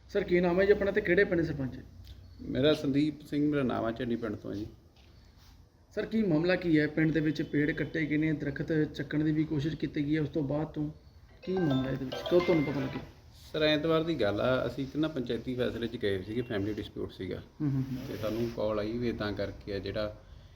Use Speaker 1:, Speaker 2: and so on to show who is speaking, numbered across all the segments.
Speaker 1: Sir ਕੀ ਨਾਮ ਹੈ ਜੀ ਆਪਣਾ ਤੇ ਕਿਹੜੇ ਪਿੰਡ ਸਰਪੰਚ?
Speaker 2: ਮੇਰਾ ਸੰਦੀਪ ਸਿੰਘ ਮੇਰਾ ਨਾਮ ਹੈ, ਚੰਨੀ ਪਿੰਡ ਤੋਂ ਜੀ।
Speaker 1: ਸਰ ਕੀ ਮਾਮਲਾ ਕੀ ਹੈ? ਪਿੰਡ ਦੇ ਵਿੱਚ ਪੇੜ ਕੱਟੇ ਗਏ ਨੇ, ਦਰਖਤ ਚੱਕਣ ਦੀ ਵੀ ਕੋਸ਼ਿਸ਼ ਕੀਤੀ ਗਈ ਹੈ, ਉਸ ਤੋਂ ਬਾਅਦ ਤੋਂ ਕੀ ਮਾਮਲਾ ਇਹਦੇ ਵਿੱਚ ਕਦੋਂ ਤੁਹਾਨੂੰ ਪਤਾ ਲੱਗਿਆ?
Speaker 2: ਸਰ ਐਤਵਾਰ ਦੀ ਗੱਲ ਆ, ਅਸੀਂ ਇੱਕ ਨਾ ਪੰਚਾਇਤੀ ਫੈਸਲੇ 'ਚ ਗਏ ਸੀਗੇ, ਫੈਮਿਲੀ ਡਿਸਪਿਊਟ ਸੀਗਾ ਤੇ ਸਾਨੂੰ ਕਾਲ ਆਈ ਵੀ ਇੱਦਾਂ ਕਰਕੇ ਆ ਜਿਹੜਾ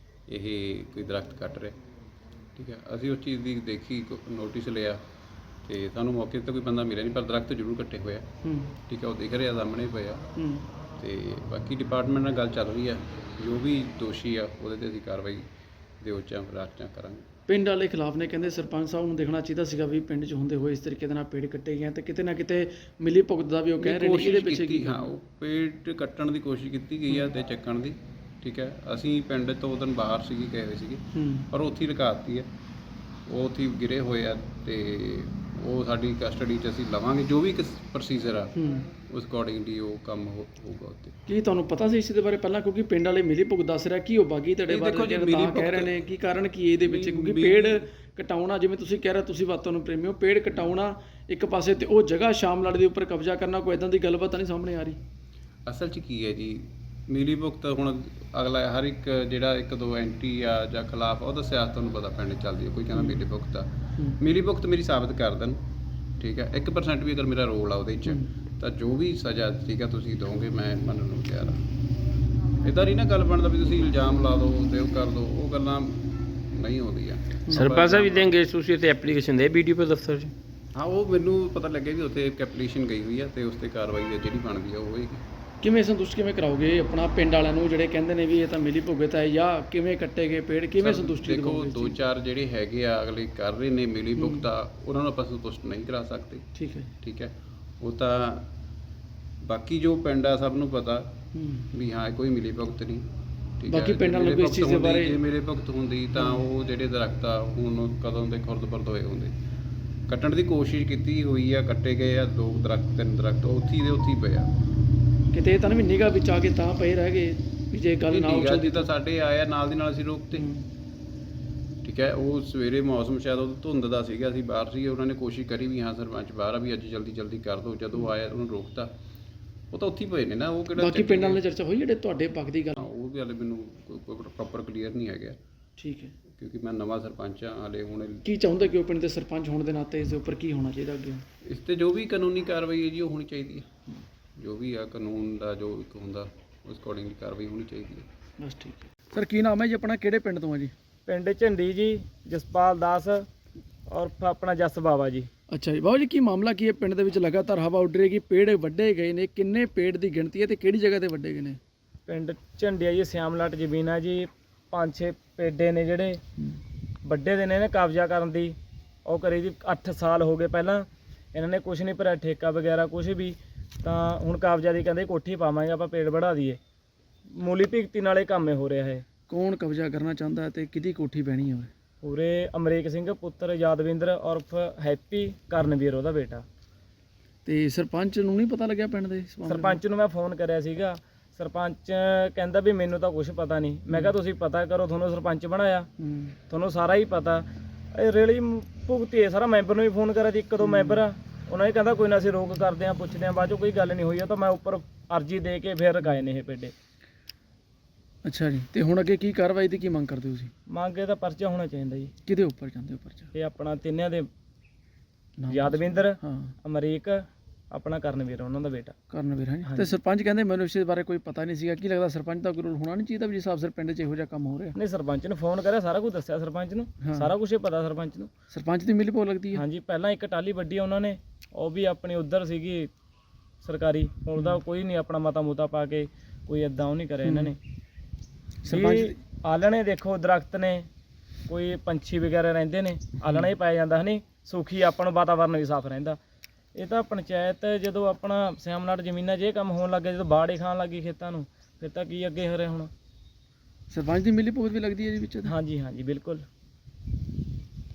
Speaker 2: ਇਹ ਕੋਈ ਦਰਖਤ ਕੱਟ ਰਿਹਾ। ਠੀਕ ਹੈ, ਅਸੀਂ ਉਸ ਚੀਜ਼ ਦੀ ਦੇਖੀ, ਨੋਟਿਸ ਲਿਆ ਤੇ ਸਾਨੂੰ ਮੌਕੇ 'ਤੇ ਕੋਈ ਬੰਦਾ ਮਿਲਿਆ ਨਹੀਂ, ਪਰ ਦਰਖਤ ਜ਼ਰੂਰ ਕੱਟੇ ਹੋਏ ਆ। ਠੀਕ ਹੈ, ਉਹ ਦਿਖ ਰਿਹਾ ਸਾਹਮਣੇ ਪਏ ਆ ਤੇ ਬਾਕੀ ਡਿਪਾਰਟਮੈਂਟ ਨਾਲ ਗੱਲ ਚੱਲ ਰਹੀ ਆ, ਜੋ ਵੀ ਦੋਸ਼ੀ ਆ ਉਹਦੇ 'ਤੇ ਅਸੀਂ ਕਾਰਵਾਈ ਦੇ ਉੱਚਾਂ ਰਾਚਾਂ ਕਰਾਂਗੇ।
Speaker 1: ਪਿੰਡ ਵਾਲੇ ਖਿਲਾਫ ਨੇ, ਕਹਿੰਦੇ ਸਰਪੰਚ ਸਾਹਿਬ ਨੂੰ ਦੇਖਣਾ ਚਾਹੀਦਾ ਸੀਗਾ ਵੀ ਪਿੰਡ 'ਚ ਹੁੰਦੇ ਹੋਏ ਇਸ ਤਰੀਕੇ ਦੇ ਨਾਲ ਪੇੜ ਕੱਟੇ ਗਏ ਤੇ ਕਿਤੇ ਨਾ ਕਿਤੇ ਮਿਲੀ ਭੁਗਤ ਦਾ ਵੀ ਉਹ ਕਹਿ ਰਹੇ ਨੇ ਇਹਦੇ ਪਿੱਛੇ ਕੀ?
Speaker 2: ਹਾਂ, ਉਹ ਪੇੜ ਕੱਟਣ ਦੀ ਕੋਸ਼ਿਸ਼ ਕੀਤੀ ਗਈ ਆ ਤੇ ਚੱਕਣ ਦੀ। ਠੀਕ ਹੈ, ਅਸੀਂ ਪਿੰਡ ਤੋਂ ਉਹ ਦਿਨ ਬਾਹਰ ਸੀਗੇ, ਗਏ ਹੋਏ ਸੀਗੇ, ਪਰ ਉੱਥੇ ਹੀ ਰਕਾਤੀ ਹੈ, ਉਹ ਉੱਥੇ ਗਿਰੇ ਹੋਏ ਆ ਤੇ ਉਹ ਸਾਡੀ ਕਸਟਡੀ 'ਚ ਅਸੀਂ ਲਵਾਂਗੇ। ਜੋ ਵੀ ਪ੍ਰੋਸੀਜਰ ਆ ਉਸ ਅਕੋਰਡਿੰਗਲੀ ਉਹ ਕੰਮ ਹੋਊਗਾ ਉੱਤੇ।
Speaker 1: ਕੀ ਤੁਹਾਨੂੰ ਪਤਾ ਸੀ ਇਸ ਦੇ ਬਾਰੇ ਪਹਿਲਾਂ? ਕਿਉਂਕਿ ਪਿੰਡ ਵਾਲੇ ਮਿਲੀ ਭੁਗਤ ਦੱਸ ਰਿਹਾ ਕਿ ਉਹ ਬਾਗੀ ਤੁਹਾਡੇ ਬਾਰੇ ਕਹਿ ਰਹੇ ਨੇ, ਕੀ ਕਾਰਨ ਕੀ ਇਹਦੇ ਵਿੱਚ? ਕਿਉਂਕਿ ਪੇੜ ਕਟਾਉਣਾ, ਜਿਵੇਂ ਤੁਸੀਂ ਕਹਿ ਰਹੇ, ਤੁਸੀਂ ਵਾਤਾਂ ਨੂੰ ਪ੍ਰੇਮੀ ਹੋ, ਪੇੜ ਕਟਾਉਣਾ ਇੱਕ ਪਾਸੇ ਤੇ ਉਹ ਜਗ੍ਹਾ ਸ਼ਾਮਲਾਟ ਦੇ ਉੱਪਰ ਕਬਜ਼ਾ ਕਰਨਾ, ਕੋਈ ਇਦਾਂ ਦੀ ਗੱਲਬਾਤ ਤਾਂ ਨਹੀਂ ਸਾਹਮਣੇ ਆ ਰਹੀ?
Speaker 2: ਅਸਲ 'ਚ ਕੀ ਹੈ ਜੀ, ਮਿਲੀ ਭੁਗਤ ਹੁਣ ਅਗਲਾ ਹਰ ਇੱਕ ਜਿਹੜਾ ਇੱਕ ਦੋ ਐਂਟੀ ਆ ਜਾਂ ਖਿਲਾਫ ਉਹਦਾ ਸਿਆਸਤ ਤੁਹਾਨੂੰ ਪਤਾ ਪਿੰਡ ਚੱਲਦੀ ਹੈ। ਕੋਈ ਕਹਿੰਦਾ ਮਿਲੀ ਭੁਗਤ ਆ, ਮਿਲੀ ਭੁਗਤ ਮੇਰੀ ਸਾਬਤ ਕਰ ਦੇਣ। ਠੀਕ ਹੈ, 1% ਵੀ ਅਗਰ ਮੇਰਾ ਰੋਲ ਆ ਉਹਦੇ 'ਚ ਤਾਂ ਜੋ ਵੀ ਸਜ਼ਾ ਠੀਕ ਆ ਤੁਸੀਂ ਦੋਗੇ, ਮੈਂ ਮੰਨਣ ਨੂੰ ਤਿਆਰ ਹਾਂ। ਇੱਦਾਂ ਨਹੀਂ ਨਾ ਗੱਲ ਬਣਦਾ ਵੀ ਤੁਸੀਂ ਇਲਜ਼ਾਮ ਲਾ ਦਿਓ ਤੇ ਉਹ ਕਰ ਦਿਓ, ਉਹ ਗੱਲਾਂ ਨਹੀਂ ਹੁੰਦੀਆਂ।
Speaker 3: ਸਰਪੰਚ ਸਾਹਿਬ ਵੀ ਦੇਂਗੇ ਤੁਸੀਂ ਤੇ ਐਪਲੀਕੇਸ਼ਨ ਦੇ BDO ਦਫ਼ਤਰ 'ਚ?
Speaker 2: ਹਾਂ, ਉਹ ਮੈਨੂੰ ਪਤਾ ਲੱਗਿਆ ਵੀ ਉੱਥੇ ਇੱਕ ਐਪਲੀਕੇਸ਼ਨ ਗਈ ਹੋਈ ਆ ਤੇ ਉਸ 'ਤੇ ਕਾਰਵਾਈ ਜਿਹੜੀ ਬਣਦੀ ਆ ਉਹ ਹੋਏਗੀ।
Speaker 1: ਕਿਵੇਂ ਸੰਤੁਸ਼ਟ ਕਿਵੇਂ ਕਰਾਓਗੇ ਆਪਣਾ ਪਿੰਡ ਵਾਲਿਆਂ ਨੂੰ ਜਿਹੜੇ ਕਹਿੰਦੇ ਨੇ ਵੀ ਇਹ ਤਾਂ ਮਿਲੀ ਭੁਗਤ ਹੈ, ਜਾਂ ਕਿਵੇਂ ਕੱਟੇ ਗਏ ਪੇੜ, ਕਿਵੇਂ ਸੰਤੁਸ਼ਟੀ ਦਿਖਾਓਗੇ?
Speaker 2: ਦੇਖੋ, 2-4 ਜਿਹੜੇ ਹੈਗੇ ਆ ਅਗਲੇ ਕਰ ਰਹੇ ਨੇ ਮਿਲੀ ਭੁਗਤ ਆ, ਉਹਨਾਂ ਨੂੰ ਆਪਾਂ ਸੰਤੁਸ਼ਟ ਨਹੀਂ ਕਰਾ ਸਕਦੇ।
Speaker 1: ਠੀਕ ਹੈ,
Speaker 2: ਠੀਕ ਹੈ, ਉਹ ਤਾਂ ਬਾਕੀ ਜੋ ਪਿੰਡ ਆ ਸਭ ਨੂੰ ਪਤਾ ਵੀ ਹਾਂ ਕੋਈ ਮਿਲੀ ਭੁਗਤ ਨਹੀਂ। ਠੀਕ ਹੈ,
Speaker 1: ਬਾਕੀ ਪਿੰਡਾਂ ਨੂੰ ਇਸ ਚੀਜ਼ ਦੇ ਬਾਰੇ
Speaker 2: ਜੇ ਮੇਰੇ ਭੁਗਤ ਹੁੰਦੀ ਤਾਂ ਉਹ ਜਿਹੜੇ ਦਰਖਤ ਆ ਹੁਣ ਕਦੋਂ ਦੇ ਖੁਰਦ-ਬੁਰਦ ਹੋਏ ਹੁੰਦੇ। ਕੱਟਣ ਦੀ ਕੋਸ਼ਿਸ਼ ਕੀਤੀ ਹੋਈ ਆ, ਕੱਟੇ ਗਏ ਆ 2 ਦਰਖਤ 3 ਦਰਖਤ ਉੱਥੇ ਦੇ ਉੱਥੇ ਪਏ ਆ।
Speaker 1: ਕਿਤੇ ਇਹ ਤਾਂ ਨਹੀਂ ਨਿਗਾਹ ਵਿੱਚ ਆ ਕੇ ਤਾਂ ਪਏ ਰਹਿ ਗਏ ਵੀ ਜੇ ਗੱਲ ਨਾ
Speaker 2: ਉੱਚਲਦੀ ਤਾਂ ਸਾਡੇ ਆਇਆ ਨਾਲ ਦੀ ਨਾਲ ਅਸੀਂ ਰੋਕਤੇ। ਠੀਕ ਹੈ, ਉਹ ਸਵੇਰੇ ਮੌਸਮ ਸ਼ਾਇਦ ਉਹ ਧੁੰਦ ਦਾ ਸੀਗਾ, ਅਸੀਂ ਬਾਹਰ ਸੀਗੇ, ਉਹਨਾਂ ਨੇ ਕੋਸ਼ਿਸ਼ ਕਰੀ ਵੀ ਹਾਂ ਸਰਪੰਚ ਬਾਹਰ ਆ ਵੀ ਅੱਜ ਜਲਦੀ ਕਰ ਦਿਓ, ਜਦੋਂ ਆਇਆ ਉਹਨੂੰ ਰੋਕਤਾ। ਉਹ ਤਾਂ ਉੱਥੇ ਹੀ ਪਏ ਨੇ ਨਾ, ਉਹ ਕਿਹੜਾ
Speaker 1: ਬਾਕੀ ਪਿੰਡਾਂ ਨਾਲ ਚਰਚਾ ਹੋਈ ਜਿਹੜੇ ਤੁਹਾਡੇ ਪੱਖ ਦੀ ਗੱਲ?
Speaker 2: ਉਹ ਵੀ ਹਾਲੇ ਮੈਨੂੰ ਪ੍ਰੋਪਰ ਕਲੀਅਰ ਨਹੀਂ ਹੈਗਾ।
Speaker 1: ਠੀਕ ਹੈ,
Speaker 2: ਕਿਉਂਕਿ ਮੈਂ ਨਵਾਂ ਸਰਪੰਚ ਹਾਂ ਹਾਲੇ। ਹੁਣ
Speaker 1: ਕੀ ਚਾਹੁੰਦੇ ਕਿ ਉਹ ਪਿੰਡ ਦੇ ਸਰਪੰਚ ਹੋਣ ਦੇ ਨਾਤੇ ਇਸ ਦੇ ਉੱਪਰ ਕੀ ਹੋਣਾ ਚਾਹੀਦਾ ਅੱਗੇ?
Speaker 2: ਇਸ 'ਤੇ ਜੋ ਵੀ ਕਾਨੂੰਨੀ ਕਾਰਵਾਈ ਹੈ ਜੀ ਉਹ ਹੋਣੀ ਚਾਹੀਦੀ ਹੈ। ਜੋ ਵੀ ਆ ਕਾਨੂੰਨ ਦਾ ਜੋ ਇੱਕ ਹੁੰਦਾ ਉਸ ਅਕੋਰਡਿੰਗਲੀ ਕਾਰਵਾਈ ਹੋਣੀ ਚਾਹੀਦੀ ਹੈ।
Speaker 1: ਬਸ ਠੀਕ ਹੈ। ਸਰ ਕੀ ਨਾਮ ਹੈ ਜੀ ਆਪਣਾ, ਕਿਹੜੇ ਪਿੰਡ ਤੋਂ ਆ ਜੀ?
Speaker 4: ਪਿੰਡ ਝੰਡੀ ਜੀ, ਜਸਪਾਲ ਦਾਸ ਔਰ ਆਪਣਾ ਜਸ ਬਾਵਾ ਜੀ।
Speaker 1: ਅੱਛਾ ਜੀ, ਬਾਬੂ ਜੀ ਕੀ ਮਾਮਲਾ ਕੀ ਹੈ? ਪਿੰਡ ਦੇ ਵਿੱਚ ਲਗਾਤਾਰ ਹਵਾ ਉੱਡ ਰਹੀ ਹੈ ਕਿ ਪੇੜ ਵੱਢੇ ਗਏ ਨੇ, ਕਿੰਨੇ ਪੇੜ ਦੀ ਗਿਣਤੀ ਹੈ ਤੇ ਕਿਹੜੀ ਜਗ੍ਹਾ ਤੇ ਵੱਢੇ ਗਏ ਨੇ?
Speaker 4: ਪਿੰਡ ਝੰਡੀ ਆ ਜੀ, ਸਿਆਮਲਾਟ ਜ਼ਮੀਨ ਆ ਜੀ, 5-6 ਪੇਡੇ ਨੇ ਜਿਹੜੇ ਵੱਡੇ ਦੇ ਨੇ ਇਹਨੇ ਕਬਜ਼ਾ ਕਰਨ ਦੀ ਉਹ ਕਰੀ ਜੀ। 8 ਸਾਲ ਹੋ ਗਏ ਪਹਿਲਾਂ, ਇਹਨਾਂ ਨੇ ਕੁਝ ਨਹੀਂ ਭਰਿਆ ਠੇਕਾ ਵਗੈਰਾ ਕੁਝ ਵੀ, ਤਾਂ ਹੁਣ ਕਬਜ਼ਾ ਦੀ ਕਹਿੰਦੇ ਕੋਠੀ ਪਾਵਾਂਗੇ ਆਪਾਂ, ਪੇੜ ਵੜਾ ਦਈਏ। ਮੂਲੀ ਭਿਗਤੀ ਨਾਲੇ ਕੰਮ ਹੋ ਰਿਹਾ ਹੈ।
Speaker 1: ਕੌਣ ਕਬਜ਼ਾ ਕਰਨਾ ਚਾਹੁੰਦਾ ਤੇ ਕਿਹਦੀ ਕੋਠੀ ਬਹਿਣੀ ਹੋਵੇ?
Speaker 4: ਪੂਰੇ ਅਮਰੀਕ ਸਿੰਘ ਪੁੱਤਰ ਯਾਦਵਿੰਦਰ ਉਰਫ ਹੈਪੀ ਕਰਨਵੀਰ ਉਹਦਾ ਬੇਟਾ।
Speaker 1: ਤੇ ਸਰਪੰਚ ਨੂੰ ਨਹੀਂ ਪਤਾ ਲੱਗਿਆ ਪਿੰਡ ਦੇ ਇਸ ਮਾਮਲੇ
Speaker 4: ਸਰਪੰਚ ਨੂੰ ਮੈਂ ਫੋਨ ਕਰਿਆ ਸੀਗਾ, ਸਰਪੰਚ ਕਹਿੰਦਾ ਵੀ ਮੈਨੂੰ ਤਾਂ ਕੁਝ ਪਤਾ ਨਹੀਂ। ਮੈਂ ਕਿਹਾ ਤੁਸੀਂ ਪਤਾ ਕਰੋ, ਤੁਹਾਨੂੰ ਸਰਪੰਚ ਬਣਾਇਆ, ਤੁਹਾਨੂੰ ਸਾਰਾ ਹੀ ਪਤਾ। ਇਹ ਰੇਲੀ ਭੁਗਤੀ ਹੈ ਸਾਰਾ। ਮੈਂਬਰ ਨੂੰ ਵੀ ਫੋਨ ਕਰਿਆ ਸੀ, 1-2 ਮੈਂਬਰ ਆ, ਉਹਨਾਂ ਨੇ ਕਹਿੰਦਾ ਕੋਈ ਨਾ ਅਸੀਂ ਰੋਕ ਕਰਦੇ ਹਾਂ, ਪੁੱਛਦੇ ਹਾਂ। ਬਾਅਦ 'ਚੋਂ ਕੋਈ ਗੱਲ ਨਹੀਂ ਹੋਈ। ਉਹ ਤਾਂ ਮੈਂ ਉੱਪਰ ਅਰਜੀ ਦੇ ਕੇ ਫਿਰ ਰਕਾਏ ਨੇ ਇਹ ਪੇਡੇ।
Speaker 1: ਅੱਛਾ ਜੀ, ਤੇ ਹੁਣ ਅੱਗੇ ਕੀ ਕਾਰਵਾਈ ਦੀ ਕੀ ਮੰਗ ਕਰਦੇ ਹੋ ਤੁਸੀਂ?
Speaker 4: ਮੰਗ ਇਹਦਾ ਪਰਚਾ ਹੋਣਾ ਚਾਹੀਦਾ ਜੀ।
Speaker 1: ਕਿਹਦੇ ਉੱਪਰ ਜਾਂਦੇ ਹੋ ਪਰਚਾ?
Speaker 4: ਇਹ ਆਪਣਾ ਤਿੰਨਿਆਂ ਦੇ, ਯਾਦਵਿੰਦਰ,
Speaker 1: ਹਾਂ,
Speaker 4: ਅਮਰੀਕ, ਆਪਣਾ ਕਰਨਵੀਰ ਉਹਨਾਂ ਦਾ ਬੇਟਾ।
Speaker 1: ਕਰਨਵੀਰ ਹੈ। ਤੇ ਸਰਪੰਚ ਕਹਿੰਦੇ ਮੈਨੂੰ ਇਸ ਬਾਰੇ ਕੋਈ ਪਤਾ ਨਹੀਂ ਸੀਗਾ। ਕੀ ਲੱਗਦਾ ਸਰਪੰਚ ਦਾ ਕੋਈ ਰੋਲ ਹੋਣਾ ਨਹੀਂ ਚਾਹੀਦਾ ਵੀ ਜਿਸ ਹਿਸਾਬ ਸਿਰ ਪਿੰਡ 'ਚ ਇਹੋ ਜਿਹਾ ਕੰਮ ਹੋ ਰਿਹਾ?
Speaker 4: ਨਹੀਂ, ਸਰਪੰਚ ਨੂੰ ਫੋਨ ਕਰਿਆ, ਸਾਰਾ ਕੁਝ ਦੱਸਿਆ ਸਰਪੰਚ ਨੂੰ, ਸਾਰਾ ਕੁਝ ਹੀ ਪਤਾ ਸਰਪੰਚ ਨੂੰ।
Speaker 1: ਸਰਪੰਚ ਦੀ ਮਿਲੀ ਭੁਗਤ ਲੱਗਦੀ ਹੈ?
Speaker 4: ਹਾਂਜੀ, ਪਹਿਲਾਂ ਇੱਕ ਟਾਲੀ ਵੱਡੀ ਉਹਨਾਂ ਨੇ, ਉਹ ਵੀ ਆਪਣੀ ਉਧਰ ਸੀਗੀ ਸਰਕਾਰੀ, ਉਹਦਾ ਕੋਈ ਨਹੀਂ ਆਪਣਾ ਮਤਾ ਮੁਤਾ ਪਾ ਕੇ ਕੋਈ ਇਦਾਂ ਉਹ ਨਹੀਂ ਕਰਿਆ ਇਹਨਾਂ ਨੇ। ਸਰਪੰਚ ਆਲਣੇ ਦੇਖੋ, ਦਰਖਤ ਨੇ, ਕੋਈ ਪੰਛੀ ਵਗੈਰਾ ਰਹਿੰਦੇ ਨੇ, ਆਲਣਾ ਹੀ ਪਾਇਆ ਜਾਂਦਾ ਹੈ, ਸੁਖੀ ਆਪਾਂ ਨੂੰ ਵਾਤਾਵਰਨ ਵੀ ਸਾਫ਼ ਰਹਿੰਦਾ। ਇਹ ਤਾਂ ਪੰਚਾਇਤ ਜਦੋਂ ਆਪਣਾ ਸਿਆਮਲਾਟ ਜ਼ਮੀਨਾਂ 'ਚ ਇਹ ਕੰਮ ਹੋਣ ਲੱਗੇ, ਜਦੋਂ ਬਾੜ ਹੀ ਖਾਣ ਲੱਗੀ ਖੇਤਾਂ ਨੂੰ, ਫਿਰ ਤਾਂ ਕੀ ਅੱਗੇ ਹੋ ਰਿਹਾ ਹੁਣ?
Speaker 1: ਸਰਪੰਚ ਦੀ ਮਿਲੀ ਭੁਗਤ ਵੀ ਲੱਗਦੀ ਹੈ ਜੀ ਵਿੱਚ?
Speaker 4: ਹਾਂਜੀ ਬਿਲਕੁਲ।